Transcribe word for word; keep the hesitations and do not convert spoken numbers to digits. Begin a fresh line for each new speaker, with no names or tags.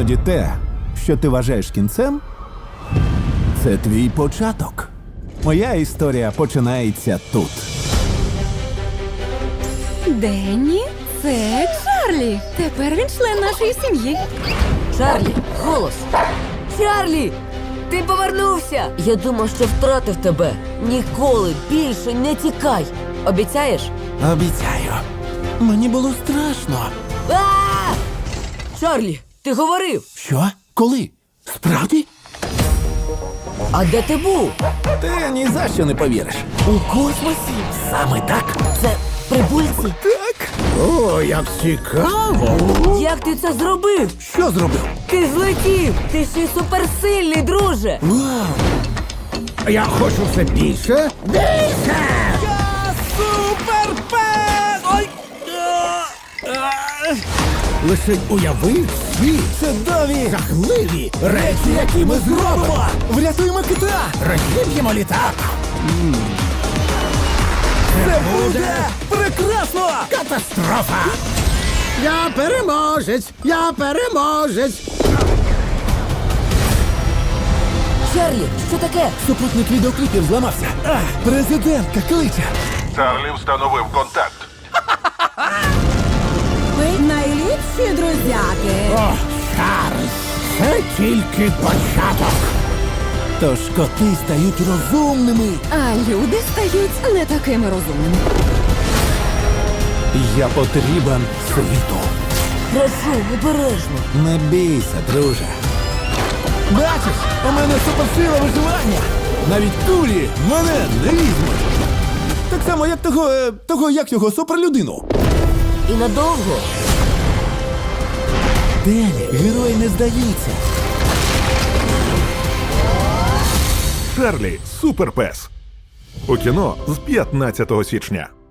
Іноді те, що ти вважаєш кінцем, це твій початок. Моя історія починається тут.
Денні, це Чарлі. Тепер він член нашої сім'ї.
Чарлі, голос! Чарлі! Ти повернувся! Я думав, що втратив тебе. Ніколи більше не тікай. Обіцяєш?
Обіцяю. Мені було страшно.
А! Чарлі, ти говорив!
Що? Коли? Справді?
А де ти був?
Ти ні за що не повіриш.
У космосі?
Саме так.
Це прибульці?
Так. О, як цікаво.
Як ти це зробив?
Що зробив?
Ти злетів! Ти ще й суперсильний, друже!
Вау!
Я хочу все більше. Більше!
Я суперпес! Ой!
Лише уяви всі
Чудові!
жахливі речі, які ми зробимо.
Врятуємо кита!
Розіб'ємо літак.
Це буде прекрасно!
Катастрофа! Я переможець! Я переможець!
Чарлі, що таке?
Супутник відеокліпів зламався. А, президентка кличе.
Чарлі встановив контакт.
Ви найліпші друзяки.
О, Чарльз! Це тільки початок.
Тож коти стають розумними.
А люди стають не такими розумними.
Я потрібен світу.
Прошу, обережно.
Не бійся, друже. Бачиш, у мене суперсила виживання. Навіть кулі мене не візьмуть. Так само, як того, е, того як його суперлюдину.
І надовго?
Дені, герої не здаються.
Чарлі суперпес. У кіно з п'ятнадцятого січня.